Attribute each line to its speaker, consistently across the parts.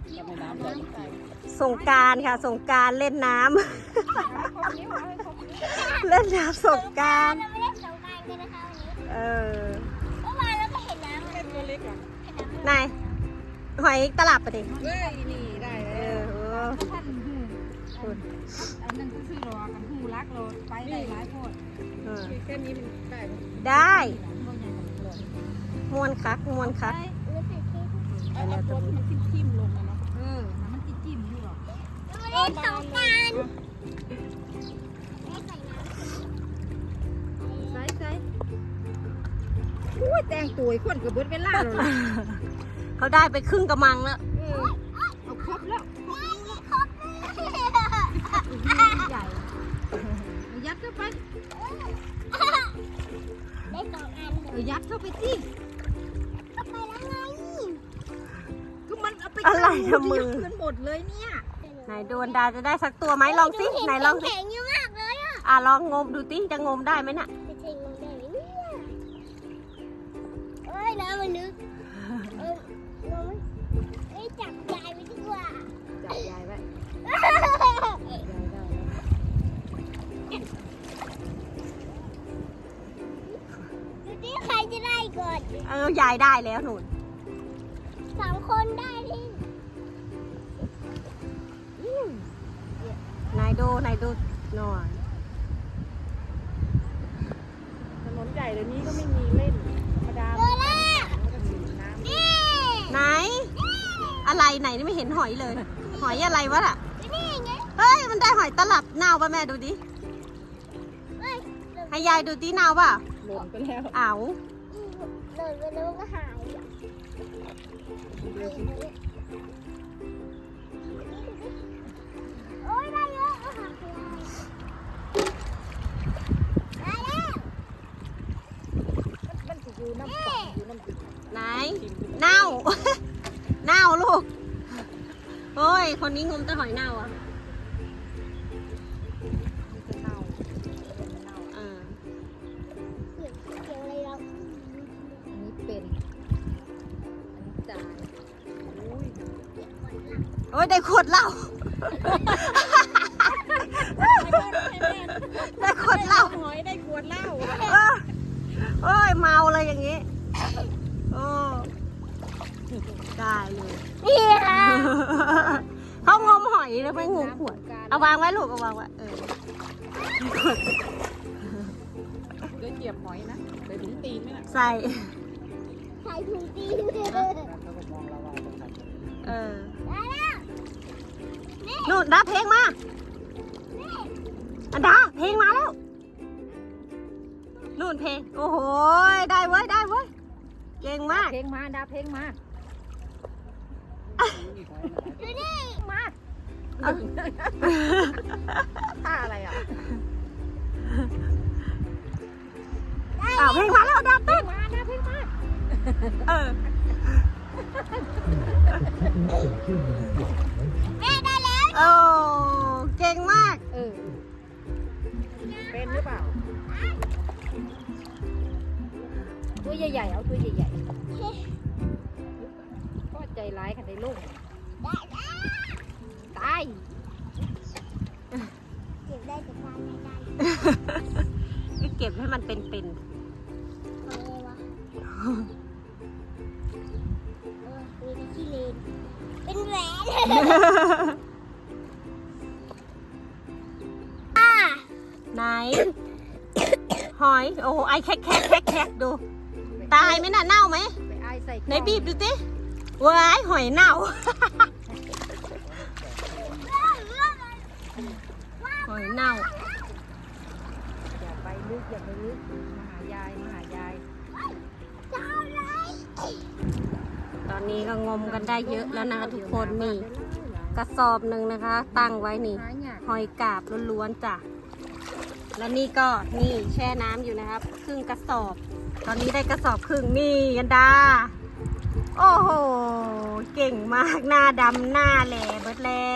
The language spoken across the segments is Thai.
Speaker 1: สงกรานต์ค่ะสงกรานต์เล่นน้ำ เล่นน้ำสงกรานต์
Speaker 2: เราไม่เล่นสงกรานต์กันนะคะวันนี้
Speaker 1: เออ
Speaker 2: เมื่อวานเราก็เห็นน้ำ
Speaker 3: เป็นตัวเล็กอ่ะ
Speaker 1: นายหอยตลับไปดิ
Speaker 3: เว้ยนี่ได้
Speaker 1: เอ
Speaker 3: แล้ว
Speaker 1: อ
Speaker 4: ท่านหูอันนั้นก็คือรอกันหูรักเราไปได้หลายโพด
Speaker 1: เออ
Speaker 3: แค่นี้มันได้ไหม
Speaker 1: ได้มวนคักมวนคัก
Speaker 2: รู้สึกที่
Speaker 3: เอาตัวที่มันทิ่มๆลงนะเนาะ
Speaker 4: มันจิ้มอยู่หรอ
Speaker 2: เราไม่เล่นสงกรานต์ไม่ใส่น้ำ
Speaker 4: ใส่อุ้ยแต่งตัวคนกับเบิดเวลาเลย
Speaker 1: เขาได้ไปครึ่งกระมังแล้ว
Speaker 4: เอาครบแล้ว
Speaker 2: ครบเลย
Speaker 4: ใหญ่ยัดเข้าไป
Speaker 2: ได้สองอันเลย
Speaker 4: ยัดเข้าไปสิ
Speaker 2: เข้าไปแล้วไง
Speaker 4: ก็มันเอาไป
Speaker 1: อะไรทำมือ
Speaker 4: กันหมดเลยเนี่ย
Speaker 1: ไหนโดนดาจะได้สักตัวไหมลองสิไหนลองสิ
Speaker 2: แข็งอยู่มากเลยอ่ะ
Speaker 1: ลองงมดูสิจะงมได้ไหมน่ะ
Speaker 2: ไม่ใช่งงได้ไหมเนี่ยเอ้ยน้ำมันลึกงงไหมจับยายไปดีกว่า
Speaker 4: จับยายไว้
Speaker 2: ดูดิใครจะได้ก่อน
Speaker 1: ยายได้แล้วหนุน
Speaker 2: สองคนได้ที่
Speaker 1: นายดูหน่อย
Speaker 3: ถนนใหญ่เดี๋ยวนี้ก็ไม่มีเล่นธรรมดา
Speaker 2: เจอแล้ว
Speaker 3: มันก็สีน้ำ
Speaker 2: นี่
Speaker 1: ไหน อะไรไหนนี่ไม่เห็นหอยเลย หอยอะไรวะล่ะ
Speaker 2: นี่ไง
Speaker 1: เฮ้ยมันได้หอยตลับเน่าป่ะแม่ดูดิ
Speaker 2: เฮ้ย
Speaker 1: ให้ยายดูดิเน่าป่ะ
Speaker 3: หล่นไปแล้ว
Speaker 1: อ้าว
Speaker 2: หล่นไปแล้วก็หายโอ้ยได้เยอะเอาหักไปเลยได้แล้ว
Speaker 3: มันจะอยู่น้ำตกอยู่น้ำติด
Speaker 1: ไหนเน่า เน่าลูกโอ้ยคนนี้งมแต่หอยเน่าอ่ะ
Speaker 3: มันจะเน่ามันเน่า
Speaker 1: เออ
Speaker 2: เกี่ยวอะไรเรา
Speaker 4: อันนี้เป็นอันนี้จ่าย
Speaker 3: อุ้ย
Speaker 1: โอ้ยได้ขวดเหล้า ได้ขวดเหล้า
Speaker 3: หอยได้ขวดเหล้า
Speaker 1: โอ้ยเมาเลยอย่างงี้โอ้ได้เลย
Speaker 2: นี่ค่ะ
Speaker 1: เขางมหอยแล้วไม่งมขวดเอาวางไว้ลูกเอาวางไว้
Speaker 3: เดี๋ยวเหยียบหอยนะเดี๋ยวถึงตีนไหมน่ะ
Speaker 1: ใส่
Speaker 2: ใส่ถุงตีนเลย
Speaker 3: แล้วก็มองเราตรงนั้น
Speaker 1: ได้แล้ว
Speaker 2: นี่
Speaker 1: นู่นดาเพลงมาอันดาเพลงมาแล้วนู่นเพลงโอ้โหได้เว้ยเก่งมาก
Speaker 4: เพลงมาดาเพลงมา
Speaker 2: ดูนี่
Speaker 4: มา
Speaker 1: เอา
Speaker 3: ท่าอะไรอ่ะ
Speaker 1: เอาเพลงมาแล้วดาเต้น
Speaker 4: มาดาเพลงมา
Speaker 1: เออ
Speaker 2: แม่ได้แล้ว
Speaker 1: โอ้เก่งมาก
Speaker 3: เป็นหรือเปล่า
Speaker 4: ตัวใหญ่ๆเอาตัวใหญ่ๆก็ใจร้ายค่ะในลูกตาย
Speaker 2: เก็บได้แต่การไม่ได้
Speaker 1: ก็เก็บให้มันเป็น
Speaker 2: อะไรวะมีที่เลนเป็นแหวนอ่า
Speaker 1: ไหน หอย โอ้โหไอแคกดู ตายไหมน่ะเน่าไหม
Speaker 4: ไปไอใส่
Speaker 1: ไหนบีบดูสิว้ายหอยเน่า หอยเน่า
Speaker 4: อย่าไปลึกอย่าไปลึกมาหายายมาหายาย
Speaker 2: เจ้าไร
Speaker 1: ตอนนี้ก็งมกันได้เยอะแล้วนะคะทุกคนนี่กระสอบหนึ่งนะคะ ตั้งไว้นี่
Speaker 4: หายาก
Speaker 1: หอยกาบล้วนๆจ้ะ แล้วนี่ก็นี่แช่น้ำอยู่นะครับ ครึ่งกระสอบ ตอนนี้ได้กระสอบครึ่งนี่ยันดา โอ้โห เก่งมากหน้าดำหน้าแหล่เบิดแล้ว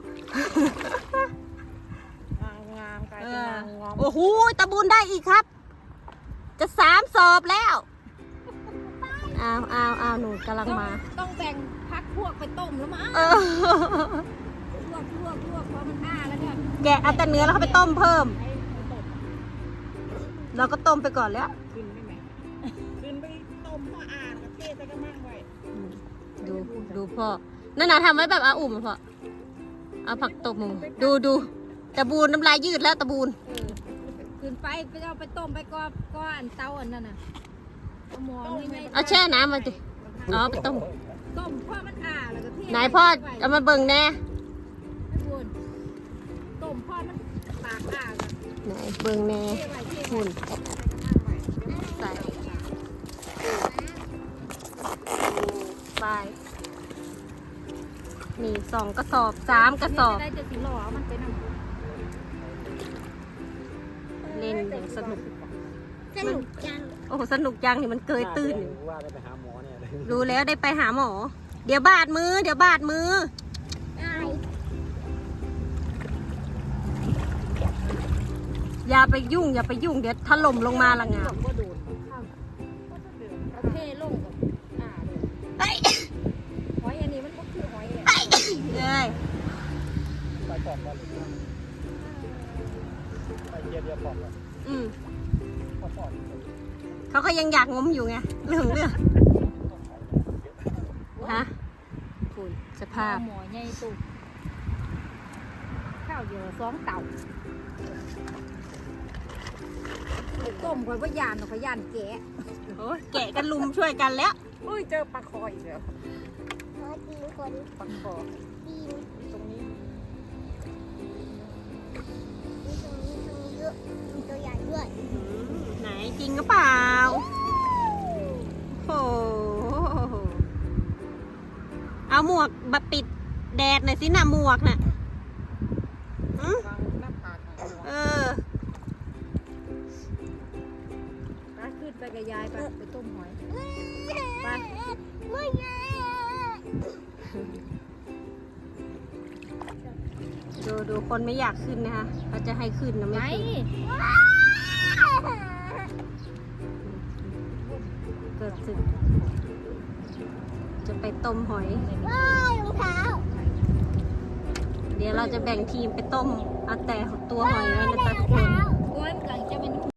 Speaker 3: งามกลายเป็นนางงอม
Speaker 1: โอ้โหตะบุญได้อีกครับ จะ3 สอบแล้ว
Speaker 2: ไป
Speaker 1: อ้าวหนูกำลังมา
Speaker 4: ต้องแบ่งพักพวกไปต้มแล้วมั้ง
Speaker 1: เออ
Speaker 4: พวกพอมันอ้าแล้วเนี่ย
Speaker 1: แกะเอาแต่เนื้อแล้วเขาไปต้มเพิ่ม เราก็ต้มไปก่อนแล้ว
Speaker 3: ขึ้นไปไหมขึ้นไปต้มพ่ออ่านกับเทใส่กระมังไว้
Speaker 1: ดูพ่อ นั่นน่ะทำไว้แบบอาอุ่มอะพ่อ เอาผักตบหมูดูตะบูนน้ำลายยืดแล้วตะบูน
Speaker 4: ขึ้นไปเอาไปต้มไปก็อันเตาอันนั้นน่ะเอาหม้อนี่ไม่
Speaker 1: เอาแช่น้ำมาดิอ๋อไปต้ม
Speaker 4: ต้มพอมันอ้าแล้วก็เท
Speaker 1: ไหนพ่อเอามาเบิ่งแน่
Speaker 4: ให้บุญต้มพอมันปากอ้าแล้ว
Speaker 1: ไหนเบิ่งแน่
Speaker 4: เทไว้เท
Speaker 1: หุ่น
Speaker 4: ใส่
Speaker 1: ใส่ไปนี่2 กระสอบ 3 กระสอบ
Speaker 4: ได้จะสิหล่อมันไปนำ
Speaker 1: เล่นอย่างสนุก
Speaker 2: สนุกจัง
Speaker 1: โอ้โหสนุกจังนี่มันเกยตื้นอยู่
Speaker 5: ว่าได้ไปหาหมอเนี่ยเลย
Speaker 1: รู้แล้วได้ไปหาหมอ เดี๋ยวบาดมือ
Speaker 2: ได้
Speaker 1: อย่าไปยุ่ง เดี๋ยวถล่มลงมาละงา
Speaker 4: ก็โดนข้าวเอาเทลงกับอ้าเลย
Speaker 1: เฮ้ย
Speaker 4: หอยอันนี้มันก็คือหอยอ่ะ
Speaker 1: เอ้ย
Speaker 5: ไปปอกก่อนเลยไปเยียปอกก่อน
Speaker 1: อืม
Speaker 5: ปอก
Speaker 1: เขาก็ยังอยากงมอยู่ไงเรื่องฮะคุณสภาพ
Speaker 4: หมอใหญ่ตุกข้าวเยอะ2 เต่าไปต้มคอยว่ายานหรอกยานแกะ
Speaker 1: โอ้ยแกะกันลุมช่วยกันแล้ว
Speaker 3: อุ้ยเจอปลาคออีกแล้ว
Speaker 2: ขอตีคน
Speaker 3: ปลาคอ
Speaker 2: ตีน
Speaker 3: ตรงนี้
Speaker 2: มีตรงนี้เยอะมีตัวใหญ่ด้วย
Speaker 1: ไหนจริงหรือเปล่า โอ้โห เอาหมวกมาปิดแดดหน่อยสินะหมวกน่ะอื้อ
Speaker 3: วางหน้าผากหน่อย
Speaker 1: เออ
Speaker 4: ไปขึ้นไปกับยายไปต้มหอย
Speaker 2: ไปไม่ไง
Speaker 1: ดูคนไม่อยากขึ้นนะคะเขาจะให้ขึ้นนะไม่
Speaker 4: ไหน
Speaker 1: ขึ้นเกิดสึก จะไปต้มหอย
Speaker 2: ว้ายรองเท้า
Speaker 1: เดี๋ยวเราจะแบ่งทีมไปต้มเอาแต่ตัวหอยไว้นะ
Speaker 2: ร
Speaker 1: จ๊ะ
Speaker 2: อง
Speaker 1: ทุกคน
Speaker 2: เท้า
Speaker 4: โอ้ยมันกำลังจะเป็น